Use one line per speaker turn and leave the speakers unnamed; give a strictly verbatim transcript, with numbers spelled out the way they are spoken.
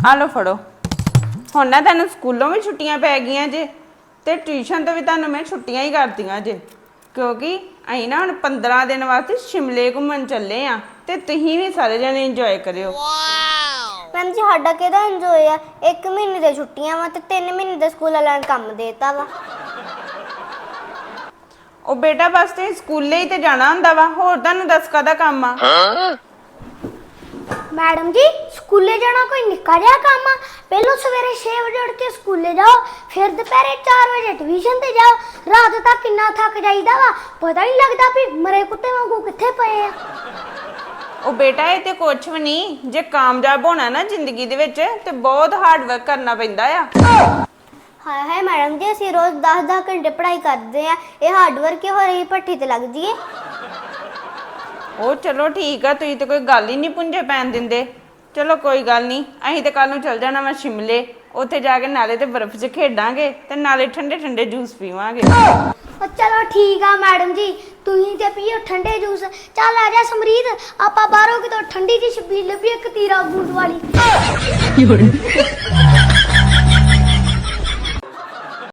ਆ ਲਓ ਫੜੋ। ਹੁਣ ਨਾ ਤੈਨੂੰ ਸਕੂਲੋਂ ਵੀ ਛੁੱਟੀਆਂ ਪੈ ਗਈਆਂ ਜੇ ਤੇ ਟਿਊਸ਼ਨ ਤੋਂ ਵੀ ਤੁਹਾਨੂੰ ਮੈਂ ਛੁੱਟੀਆਂ ਹੀ ਕਰਤੀਆਂ ਜੇ, ਕਿਉਂਕਿ ਅਸੀਂ ਨਾ ਹੁਣ ਪੰਦਰਾਂ ਦਿਨ ਵਾਸਤੇ ਸ਼ਿਮਲੇ ਘੁੰਮਣ ਚੱਲੇ ਆ ਤੇ ਤੁਸੀਂ ਵੀ ਸਾਰੇ ਜਣੇ ਇੰਜੋਏ ਕਰਿਓ।
ਮੈਮ ਜੀ ਸਾਡਾ ਕਿਹਦਾ ਇੰਜੋਏ ਆ? ਇੱਕ ਮਹੀਨੇ ਦੀਆਂ ਛੁੱਟੀਆਂ ਵਾ ਤੇ ਤਿੰਨ ਮਹੀਨੇ ਦਾ ਸਕੂਲ ਵਾਲਿਆਂ ਨੇ ਕੰਮ ਦੇਤਾ ਵਾ।
ਉਹ ਬੇਟਾ ਬਸ ਤੇ ਸਕੂਲੇ ਹੀ ਤੇ ਜਾਣਾ ਹੁੰਦਾ ਵਾ, ਹੋਰ ਤੁਹਾਨੂੰ ਦੱਸ ਕਾਹਦਾ ਕੰਮ ਆ?
ਮੈਡਮ ਜੀ ਸਕੂਲੇ ਜਾਣਾ ਕੋਈ ਨਿੱਕਾ ਜਿਹਾ ਕੰਮ ਆ? ਪਹਿਲਾਂ ਸਵੇਰੇ ਛੇ ਵਜੇ ਉੱਠ ਕੇ ਸਕੂਲੇ ਜਾਓ, ਫਿਰ ਦੁਪਹਿਰੇ ਚਾਰ ਵਜੇ ਟਿਊਸ਼ਨ ਤੇ ਜਾਓ, ਰਾਤ ਤੱਕ ਕਿੰਨਾ ਥੱਕ ਜਾਈਦਾ ਵਾ, ਪਤਾ ਨਹੀਂ ਲੱਗਦਾ ਵੀ ਮਰੇ ਕੁੱਤੇ ਵਾਂਗੂ ਕਿੱਥੇ ਪਏ ਆ।
ਉਹ ਬੇਟਾ ਇਹ ਤੇ ਕੁਛ ਵੀ ਨਹੀਂ, ਜੇ ਕਾਮਯਾਬ ਹੋਣਾ ਨਾ ਜ਼ਿੰਦਗੀ ਦੇ ਵਿੱਚ ਤੇ ਬਹੁਤ ਹਾਰਡ ਵਰਕ ਕਰਨਾ ਪੈਂਦਾ ਆ।
ਹਾਏ ਹਾਏ ਮੈਡਮ ਜੀ ਅਸੀਂ ਰੋਜ਼ ਦਸ ਦਸ ਘੰਟੇ ਪੜ੍ਹਾਈ ਕਰਦੇ ਆ, ਇਹ ਹਾਰਡ ਵਰਕ ਹੋ ਰਹੀ ਭੱਠੀ ਤੇ ਲੱਗ ਜੀਏ।
ਉਹ ਚਲੋ ਠੀਕ ਆ, ਤੁਸੀਂ ਤੇ ਕੋਈ ਗੱਲ ਹੀ ਨਹੀਂ ਪੁੰਝੇ ਪੈਣ ਦਿੰਦੇ। ਚਲੋ ਕੋਈ ਗੱਲ ਨਹੀਂ, ਅਸੀਂ ਤੇ ਕੱਲ ਨੂੰ ਚੱਲ ਜਾਣਾ ਵਾ ਸ਼ਿਮਲੇ, ਉੱਥੇ ਜਾ ਕੇ ਨਾਲੇ ਤੇ ਬਰਫ਼ 'ਚ ਖੇਡਾਂਗੇ ਤੇ ਨਾਲੇ ਠੰਡੇ ਠੰਡੇ ਜੂਸ ਪੀਵਾਂਗੇ।
ਚਲੋ ਠੀਕ ਆ ਮੈਡਮ ਜੀ, ਤੁਸੀਂ ਤੇ ਪੀਓ ਠੰਡੇ ਜੂਸ। ਚੱਲ ਆ ਜਾ ਸਮਰੀਤ, ਆਪਾਂ ਬਾਹਰੋਂ ਕਿਤੋਂ ਠੰਡੀ ਜਿਹੀ ਛਬੀਲ ਲੱਭੀ ਇੱਕ ਤੀਰਾ ਬੂੰਦ ਵਾਲੀ।